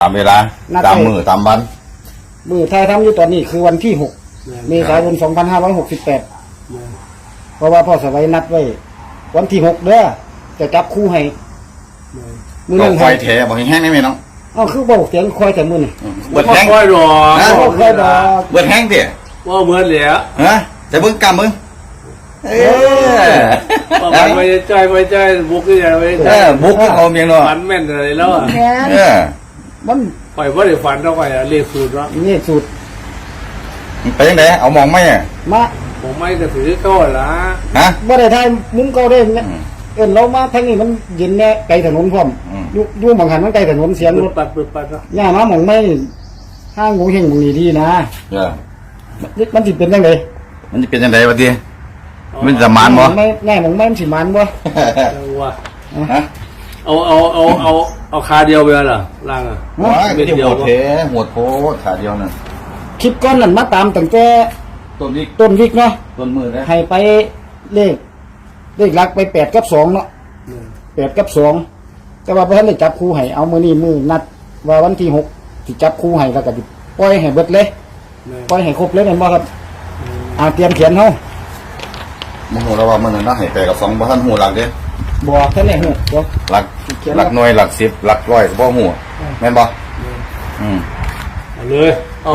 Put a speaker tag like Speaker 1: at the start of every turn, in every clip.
Speaker 1: ตามเวลาตามมือตามวัน
Speaker 2: มือไทยทำอยู่ตอนนี้คือวันที่6 เมษายน 2568เพราะว่าพ่อสวัยนัดไว้วันที่6เด้อจะจับคู่ให้มือ
Speaker 1: ต้
Speaker 2: นึ
Speaker 1: อง
Speaker 2: ง
Speaker 1: คอยแถบอกแห้งๆได้ไหมน้อง
Speaker 2: อ้าวคือบอกเสียงคอยแต่มือนี่
Speaker 1: เบิดแห้ง
Speaker 3: ค่อยหรอ
Speaker 1: นะ
Speaker 2: บ่คอยดอก
Speaker 1: เบิดแห้งดิ
Speaker 3: ว่าเหมือนเหลีย
Speaker 1: ฮะแต่เบิ่งกำมึงเออ
Speaker 3: ว่ามันไม่ใจไม่ใจบุกที่ไหนไม่ใจ
Speaker 1: บุกเอาเมียงเนาะ
Speaker 3: ฝันแม่นอะไรแล้วอ่ะ
Speaker 2: แม่น
Speaker 1: เออ
Speaker 2: มัน
Speaker 3: ปล่อยว่าได้ฝันเท่าไหร่เรียกสูตรแล้ว
Speaker 2: นี่สูตร
Speaker 1: ไปยังไงเอามองไหมอ่ะ
Speaker 2: มา
Speaker 3: ผมไม่กระถือก็ละ
Speaker 1: ฮะ
Speaker 2: บ่ได้ทายมุ้งเก่าได้เนี่ยเอิ้นเรามาทางนี้มันเย็นแน่ไกลถนนพร้อมอยู่บางหันมันไกลถนนเสียงรถ
Speaker 3: ปัดเนาะ
Speaker 2: ย่ามาหม่องไม่ห้างหมูเฮงหมูนี่ดีนะ
Speaker 1: เออ
Speaker 2: มันสิเป็นจังได๋
Speaker 1: มันจะเป็นยังไงวะทีมันจะมานบ่
Speaker 2: ไม่แน่หม่องไม่มันสิมันบ่
Speaker 3: จังว่า
Speaker 1: ฮะ
Speaker 3: เอาคาเดียวไปล่ะล่างอ่ะ
Speaker 1: ว้ายไม่ได้หัวเทหัวโพขาเดียวนั่น
Speaker 2: คลิปก้อนนั่นมาตามตั้งแต่
Speaker 1: ต้นนี้
Speaker 2: ต้นวิกเนาะ
Speaker 1: ต้นมือนะ
Speaker 2: ให้ไปเลขหลักไป8 กับ 2เนาะ8 กับ 2แต่ว่าบ่ทันได้จับคู่ให้เอามื้อนี้มื้อนัดว่าวันที่6สิจับคู่ให้แล้วก็สิปล่อยให้เบิดเลยปล่อยให้ครบเลยแม่นบ่ครับเตรียมเขียนเฮา
Speaker 1: โมโหเราว่ามันน่ะให้ไปกับ2บ่ทันหูหลักเด้
Speaker 2: บ่ทันได้ฮู้บ่
Speaker 1: หลักหน่วยหลัก10หลักร้อยก็บ่หูแม่นบ่
Speaker 3: เอาเลย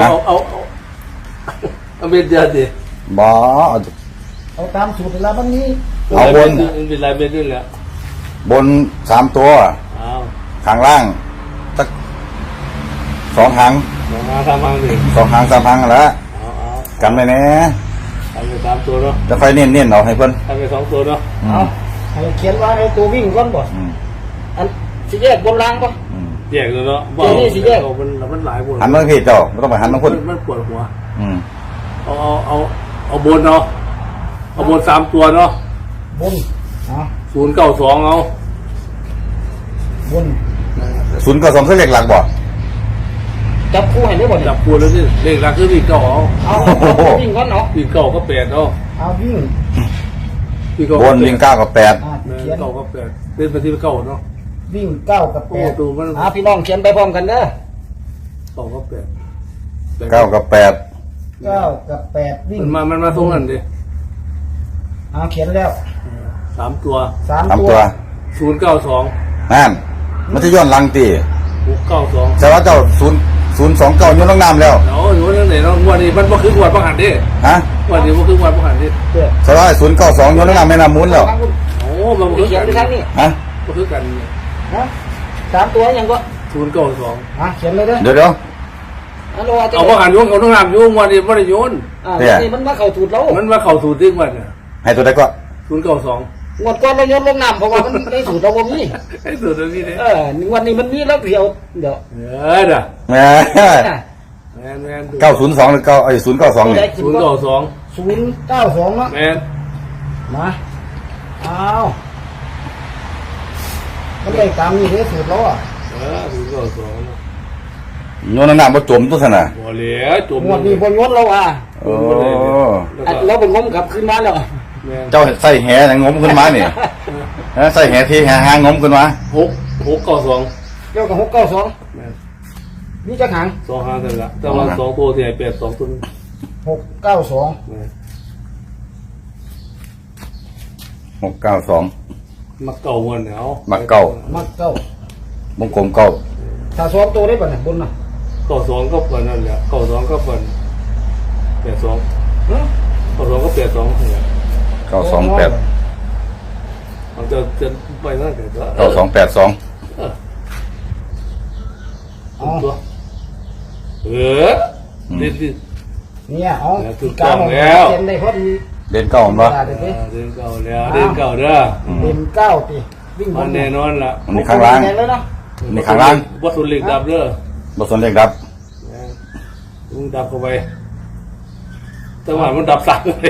Speaker 3: เอาเป็นเดียวดิ
Speaker 1: บ่
Speaker 2: เอาตามสูตรเวลาบัดนี้
Speaker 1: เอาบน
Speaker 3: เป็นไรเป็นด้วยแหละ
Speaker 1: บน3ตัว
Speaker 3: เอา
Speaker 1: ข้างล่างสัก2หาง
Speaker 3: มาทำมังดิ
Speaker 1: 2หาง3หางแล้ว
Speaker 3: เอา
Speaker 1: กันไว้แน่
Speaker 3: ทำไป3ตัวเนาะ
Speaker 1: จะไฟเน้นๆเอาให้เพิ่น
Speaker 3: ทำไป2ตัวเนาะ
Speaker 2: เอาให้เขียนว่าในตัววิ่งก่อนบ่
Speaker 1: อืม
Speaker 2: อันสิแยกบนล่างบ่
Speaker 1: อืม
Speaker 3: แยกเลยเนาะมันหลายบน
Speaker 1: หันมาพี่เจ้าบ่ต้องไปหันมาคน
Speaker 3: มันปวดหัว
Speaker 1: อืม
Speaker 3: เอาบนเนาะเอาบน3ตัวเนาะ
Speaker 2: บนเอา
Speaker 3: 092เอา
Speaker 2: บน
Speaker 1: 0กับ2คือเลขหลักบ่
Speaker 2: จับคู่ให้ได้บ่เนี่ย
Speaker 3: จับปูแล้วนี่เลขหลักคือวิ่งเก้าเอา
Speaker 2: เอาวิ่งก่อนเนาะ
Speaker 3: วิ่งเก้าก็8เอา
Speaker 2: เอาวิ่ง
Speaker 1: บนวิ่ง9กับ8
Speaker 2: เขียน
Speaker 3: เก้าก็8เล่นไปที่เก้าเนาะ
Speaker 2: วิ่ง9 กับ
Speaker 3: โอ้ดูมัน
Speaker 2: 8พี่น้องเขียนไปพร้อมกันเด้อ
Speaker 3: เก้าก็8
Speaker 1: 9กับ8
Speaker 2: 9 กับ 8วิ่ง
Speaker 3: มันมาตรงนั้นดิ
Speaker 2: เอาเขียนแล้ว
Speaker 3: 3ตัว
Speaker 2: 3
Speaker 1: 3
Speaker 2: ตัว
Speaker 1: ตัว
Speaker 3: 092
Speaker 1: นั่นมันจะย้อนหลังติ
Speaker 3: 692
Speaker 1: แต่ว่าเจ้า029ย้อนลงน้ำแล้ว
Speaker 3: เอาอยู่นั่นไหนเนาะวันนี้มันบ่คืองวดบ่หันดิ
Speaker 1: ฮะ
Speaker 3: วันนี้บ่คืองวดบ่หันดิ
Speaker 2: เด้อ
Speaker 1: แต่ว่า092ย้อนลงน้ำแม่น้ำมูลแล้ว
Speaker 3: โอ้มันบ่คือ
Speaker 2: เขีย
Speaker 3: กัน น
Speaker 2: ไปทางนี้
Speaker 1: ฮะ
Speaker 3: บ่คือกัน
Speaker 2: นะ3ตัวยังก็
Speaker 3: 092
Speaker 2: เขียนเลยเด้อ
Speaker 1: เดี๋ยว
Speaker 2: ฮัลโหล
Speaker 3: เอาบ่หันโยนเอาต้องน้ำโยนวันนี้บ่ได้โยน
Speaker 2: นี่มันมาเข้าถูดเรา
Speaker 3: มันมาเข้าสู่ที่วันน่ะ
Speaker 1: ให้ตัวใดก็
Speaker 3: 092
Speaker 2: งวดก่อนเราโยนลงน้ำเพราะว่ามันได้สูตรเราบ่มี
Speaker 3: ไอ้สุดนี้เด้
Speaker 2: วันนี้มันมีแล้วเดี๋ยว
Speaker 3: เด้อ
Speaker 1: แหม
Speaker 3: แม่น
Speaker 1: 902หรือ9ไอ้092นี่
Speaker 3: 092
Speaker 2: 092เนาะ
Speaker 3: แม่น
Speaker 2: มาเอามันได้ตามนี้เลยสูตรเราอ่ะ
Speaker 3: 092
Speaker 1: ย้อนลงน้ำบ่จมตัวซั่นน่ะ
Speaker 3: บ่เหลือจม
Speaker 2: งวดนี้บนงดเราอ่ะ
Speaker 1: โอ้
Speaker 2: เราเป็นงมกลับขึ้นมาแล้ว
Speaker 3: แม่น
Speaker 1: เจ้าใส่แหน่งมขึ้นมานี่ฮะใส่แหที่แหหางงมขึ้นมา
Speaker 3: 692
Speaker 2: เกี่ยวกับ692
Speaker 3: แม่น
Speaker 2: นี่จะหาง
Speaker 3: 2หางนั่นล่ะแต่ว่า2ตัวที่ให้82ตัว
Speaker 2: 692
Speaker 3: แม่น
Speaker 1: 692
Speaker 3: มักเก่าวันเนี่ยเอา
Speaker 1: มักเก่า
Speaker 2: มักเก้าว
Speaker 1: งกลมเก้า
Speaker 2: ถ้าซ้อมตัวได้ป่ะเนี่ยบนน่ะ
Speaker 3: 92ก็เปิดนั่นแหละ92ก็เปิด82
Speaker 2: ฮะ
Speaker 3: 92ก็82เนี่ย
Speaker 1: 928
Speaker 3: มันจะไปนั่นเดี๋ยว
Speaker 1: 9282
Speaker 3: ตัวดิ
Speaker 2: เนี่ยเอา
Speaker 3: ถูกต้องแล้ว
Speaker 2: เขียนได้พอดี
Speaker 1: เด่นเก้าบ่
Speaker 2: เดี๋ยวนี้
Speaker 3: เดินเก่าแล้วเดินเก่าเด้อ
Speaker 2: เต็มเก้าตีวิ่งบ
Speaker 3: มัน
Speaker 2: น
Speaker 3: แน่นอนละ
Speaker 1: อันนี้ข้างล่าง
Speaker 2: เลยเนาะ
Speaker 1: อันนี้ข้างล่าง
Speaker 3: วัตถุเหล็กดับเด้อ
Speaker 1: บ่สนเลขดับ
Speaker 3: มึงดับเข้าไปจังหวะมันดับสั่งเลย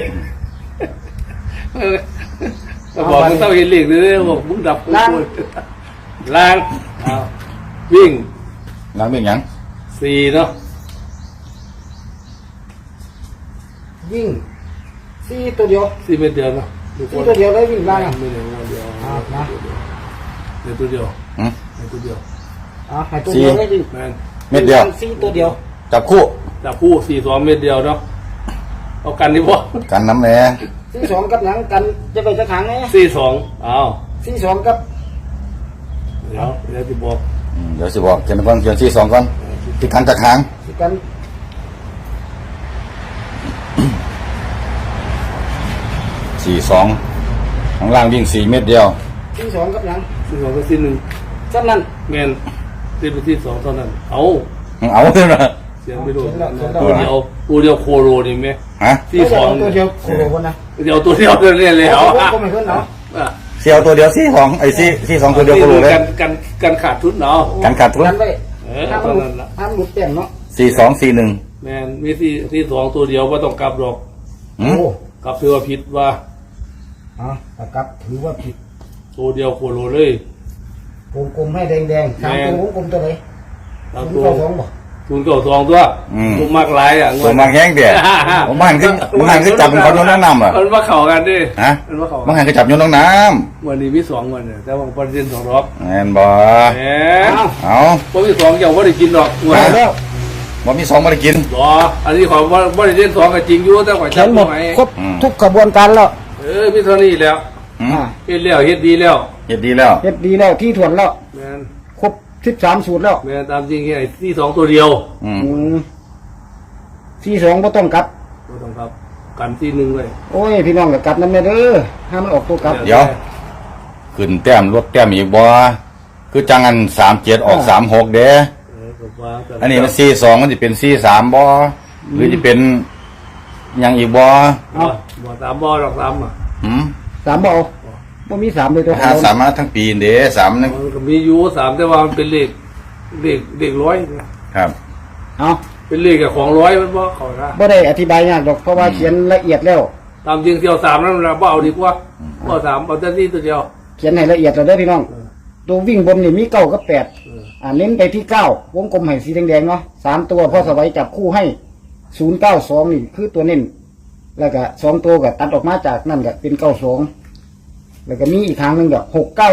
Speaker 3: บอกมึงต้องเห็นเหล็กเลยบอกมึงดับล้างวิ่ง
Speaker 1: ล้างเป็นหยัง
Speaker 3: 4เนาะ
Speaker 2: วิ่ง4ตัวเดียว
Speaker 3: 4เมตรเดียวเนาะ
Speaker 2: 4ตัวเดียวเลยวิ่งล่างอ่ะ
Speaker 3: ไม่เดียวเดียว
Speaker 2: นะ
Speaker 3: เดียวตัวเดียว
Speaker 1: หึ
Speaker 3: ตัวเดียว
Speaker 2: เอาให้ตัวเดียวได้ดิ
Speaker 3: แม่น
Speaker 1: เม็ดเดียว
Speaker 2: สี่ตัวเดียว
Speaker 1: จับคู่
Speaker 3: จับคู่42เม็ดเดียวเนาะเอากันดีบ่
Speaker 1: กันน้ำแหน่
Speaker 2: สี่สองกับหยังกันจะไปจะขังไง
Speaker 3: 42อ้าว
Speaker 2: สี่สองกับ
Speaker 3: เดี๋ยวสิบอก
Speaker 1: เดี๋ยวสิบอกเขียนก่อนเขียนที่สองก่อนที่กันจากหาง
Speaker 2: สิกัน
Speaker 1: 42ข้างล่างวิ่ง4เม็ดเดียว
Speaker 2: สี่สองกับหยัง
Speaker 3: 42ก็1
Speaker 2: สั้นนั้น
Speaker 3: แม่นติดไปที่2เท่านั้นเอา
Speaker 1: เอาเลยนะ
Speaker 3: เสียงไปโดน
Speaker 2: เอา
Speaker 3: ตัวเดียวโคโรนี่ไหม
Speaker 1: ฮะ
Speaker 3: ที่สอง
Speaker 2: ตัวเดียวโคโรคนนะ
Speaker 3: เดี๋ยวตัวเดียวเนี่ยเลยเอา
Speaker 2: ก็ไม่ขึ้นเนาะ
Speaker 1: เสียวตัวเดียว42ไอ้42ตัวเดียวก็รู้เลย
Speaker 3: กันขาดทุนเนาะ
Speaker 1: กันขาดทุน
Speaker 2: กันไว้
Speaker 3: เท่านั้นละ
Speaker 2: ห้ามหลุดแต้มเนาะ
Speaker 1: 4241
Speaker 3: แมนมีที่2ตัวเดียวว่าต้องกลับหรอก
Speaker 1: หืม
Speaker 2: โอ้
Speaker 3: กลับถือว่าผิดว่า
Speaker 2: เอาตะกับถือว่าผิด
Speaker 3: ตัวเดียวโคโรเลย
Speaker 2: วงกลมให้แดงๆสามตัววงกลมตัวไหน
Speaker 3: ตาม
Speaker 2: ศูน
Speaker 3: ตั
Speaker 2: ย์
Speaker 3: ว
Speaker 2: เก้าสองบ่
Speaker 3: 092ตัวผมมากหลายอ่ะ
Speaker 1: ตัวมากแห้งเดียวผมมันคือจับเป็นคนโยนน้ำอ่ะ
Speaker 3: มันมาเข่ากันดิ
Speaker 1: ฮะ
Speaker 3: มันมาเข่า
Speaker 1: มันหันคือจับโยนน้ำ
Speaker 3: วันนี้มี2วันเนี่ยแต่ว่าประเด็น2รอบ
Speaker 1: แม่นบ่
Speaker 3: แหม
Speaker 1: เอา
Speaker 3: พวกที่2อย่างว่าได้กินหรอก
Speaker 2: ไปแล้ว
Speaker 1: บ่มี2บ่ได้กิน
Speaker 3: รออันนี้ของว่าได้เล่น2ก็จริงอยู่แต่ข่อย
Speaker 2: เขียนหมด
Speaker 3: ไหม
Speaker 2: ครบทุกกระบวนการแล้ว
Speaker 3: มีเท่านี้แล้ว
Speaker 1: หืม
Speaker 3: เฮ็ดแล้วเฮ็ดดีแล้ว
Speaker 1: เฮ็ดดีแล้ว
Speaker 2: เฮ็ดดีแล้วที่ถ่วนแล้ว
Speaker 3: แม่น
Speaker 2: ครบ13สูตรแล้ว
Speaker 3: แม่นตามจริงไอ้ที่2ตัวเดียว
Speaker 1: อืม
Speaker 2: ที่สองบ่ต้องกลับ
Speaker 3: บ่ต้องครับกันที่1ไว้
Speaker 2: โอ้ยพี่น้องก็กลับนำแน่เด้อห้ามมันออกตัวกลับ
Speaker 1: เดี๋ยว ขึ้นแต้มลดแต้มอีกบ่คือจังอัน37ออก36เด้
Speaker 3: ก็ว่ากั
Speaker 1: อันนี้มัน42มันสิเป็น43บ่หรือสิเป็นหยังอีกบ่
Speaker 3: บ่ตามบ่ดอกตามอ่ะ
Speaker 1: หืม
Speaker 2: สามบ่เอาบ่มีสามเลยตัว
Speaker 1: หาสามมาทั้งปีเด้3นึง
Speaker 3: มันก็มีอยู่3แต่ว่ามันเป็นเลขร้อย
Speaker 1: ครับ
Speaker 2: เอา
Speaker 3: เป็นเลขกับของร้อยมันบ่เข้านะ
Speaker 2: บ่ได้อธิบายยากดอกเพราะว่าเขียนละเอียดแล้ว
Speaker 3: ตามจริงเที่ยว3นั้นเราบ่เอาดีกว่าบ่3เอาแต่ที่ตัวเดียว
Speaker 2: เขียนให้ละเอียดแล้วเด้อพี่น้อง ตัววิ่งบนนี่มีเก้ากับแปดเน้นไปที่เก้าวงกลมให้สีแดงๆเนาะ3ตัวพ่อสวัยจับคู่ให้092นี่คือตัวเน้นแล้วก็2ตัวก็ตัดออกมาจากนั่นก็เป็น92แล้วก็มีอีกทางหนึงก็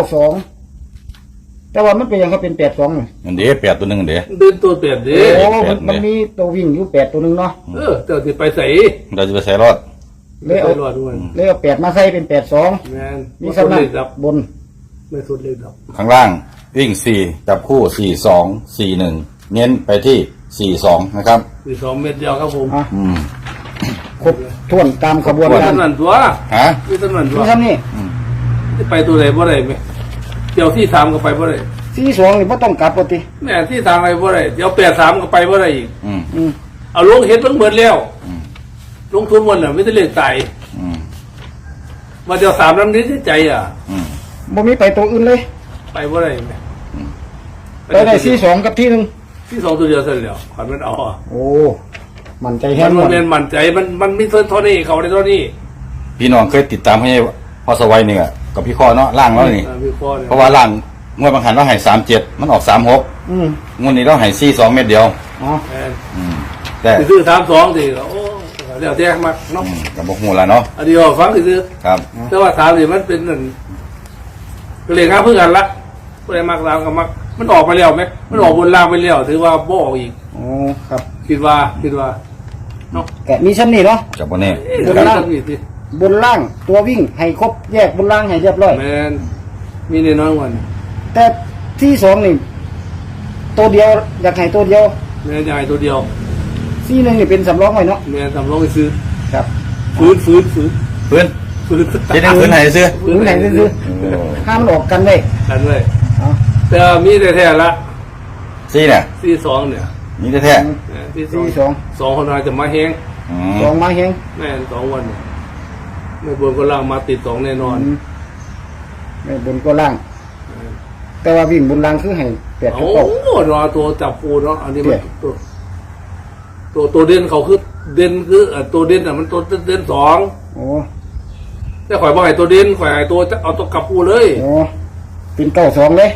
Speaker 2: 692แต่ว่ามันเป็นยังก็เป็น82นี่
Speaker 1: อันเด้8ตัวหนึงอันเด้
Speaker 3: เดินตัวเปลี่ยนดิ
Speaker 2: โอ้มันมีตัววิ่งอยู่8ตัวหนึงเนาะ
Speaker 3: เจ้าสิไปใส่
Speaker 1: เราจะไปใส่รอด
Speaker 2: เลยเอา
Speaker 3: ไปรอดด้วย
Speaker 2: เลยเอา8มาใส่เป็น82
Speaker 3: แม่น
Speaker 2: มี
Speaker 3: มี
Speaker 2: สำนั
Speaker 3: เล
Speaker 2: ก
Speaker 3: ขดับบ
Speaker 2: น
Speaker 3: ไม่สุดเลขดับ
Speaker 1: ข้างล่างวิ่ง4จับคู่42 41เน้นไปที่42นะครับ
Speaker 3: มี2เม็ดเดียวครับผม
Speaker 2: อ่ะ
Speaker 1: อืม
Speaker 2: ครบถ้วนตามขบวน
Speaker 3: มี
Speaker 2: การ
Speaker 3: เท่านั้นตัว
Speaker 1: ฮะ
Speaker 3: มีเท่านั้นตัว
Speaker 2: นี่ครับนี่
Speaker 3: จะไปตัวไหนบ่ได้ไหมเดี๋ยวที่3ก็ไปบ่ได้
Speaker 2: 42นี่บ่ต้องกลับปกติ
Speaker 3: แม่ที่3ไปบ่ได้เดี๋ยว83ก็ไปบ่ได้อีก
Speaker 1: อืม
Speaker 2: อืม
Speaker 3: เอาลงเฮ็ดเบิ่งเบิดแล้วลงทุนหมดน่ะไม่ได้เลขตาย
Speaker 1: อืม
Speaker 3: มาเดี๋ยว3นำนี้ที่ใจอ่ะ
Speaker 1: อืม
Speaker 2: บ่มีไปตัวอื่นเลย
Speaker 3: ไปบ่ได้ไหม
Speaker 2: ไปได้42กับที่หนึง
Speaker 3: ที่2ตัวเดียวเสร็จแล้วขวัญมันเอาอ่ะ
Speaker 2: โอ้มันใจแห้
Speaker 3: มั
Speaker 2: ง
Speaker 3: น
Speaker 2: หมด
Speaker 3: เรียนมั่นใจมันมีเท่านี้เขาได้เท่านี้
Speaker 1: พี่น้องเคยติดตามให้พ่อสวัยนี่กับพี่ข้อเนาะล่างแล้วนี่
Speaker 3: พี่พ่อเนี่ย
Speaker 1: เพราะว่าล่างงวดบางหันเราให้37มันออก36
Speaker 2: อืม
Speaker 1: งวดนี้เราให้42เม็ดเดียว
Speaker 2: อ๋อ
Speaker 3: แม่น
Speaker 1: อืมแต่
Speaker 3: สิซื้อ32สิโอ้เดี๋ยวแจ้งมาเนาะ
Speaker 1: กับบ่ฮู้ล่ะเนาะ
Speaker 3: อันนี้ก็ฟังซื้อ
Speaker 1: ครับ
Speaker 3: แต่ว่า3นี่มันเป็นนั่นก็เลยงานเพื่อกันละก็เลยมัก3กับมักมันออกไปแล้วไหมมันออกบนล่างไปแล้วถือว่าบ่ออกอีก
Speaker 2: โอ้ครับ
Speaker 3: คิดว่าเนาะ
Speaker 2: แกะมีชั้นนี่เนาะ
Speaker 1: กับบ่แน่
Speaker 3: บนล่างนี่สิ
Speaker 2: บนล่างตัววิ่งให้ครบแยกบนล่างให้เรียบร้อย
Speaker 3: แม่นมีแน่นอนวัน
Speaker 2: แต่ที่สองนี่ตัวเดียวอยากให้ตัวเดียว
Speaker 3: แม่นใหญ่ตัวเดียว
Speaker 2: ที่หนึงนี่เป็นสำรองไว้เนาะ
Speaker 3: แม่นทำลองไปซื้อ
Speaker 2: ครับ
Speaker 3: ฟื้น
Speaker 1: พื้นจะได้พื้นให้ซื้อ
Speaker 2: หรือไหนซื้อห้ามมันออกกันได้
Speaker 3: กันเลย
Speaker 2: เอา
Speaker 3: แต่มีแต่แท้ละ
Speaker 1: ซี่เนี่ย
Speaker 3: ที่สองเนี่ย
Speaker 1: นี่แท้
Speaker 3: ที่
Speaker 2: ที่สอง
Speaker 3: สองคนอาจจะมาแห้ง
Speaker 1: ๆอืม
Speaker 2: สองมาแห้ง
Speaker 3: แม่น2 วันเนี่ยไม่บนก็ล่างมาติด2แน่นอน
Speaker 2: ไม่บนก็ล่าง แต่ว่าวิ่งบนล่างคือให้แปดกับ
Speaker 3: โอ้
Speaker 2: เก้าร
Speaker 3: อตัวจับปูเนาะอันนี้มันตัวเด่นเขาคือเด่นคือตัวเด่นอ่ะมันตัวเด่น2
Speaker 2: โอ้
Speaker 3: แต่ข่อยบ่ให้ตัวเด่นข่อยให้ตัวเอาตัวกลับปูเลย
Speaker 2: โอ้เป็น92เลย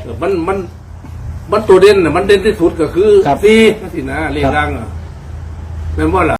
Speaker 3: มันตัวเด่นน่ะมันเด่นที่สุดก็คือ
Speaker 2: ครับ
Speaker 3: 4นั่นสินะเลขดังอ่ะแม่นบ่ล่ะ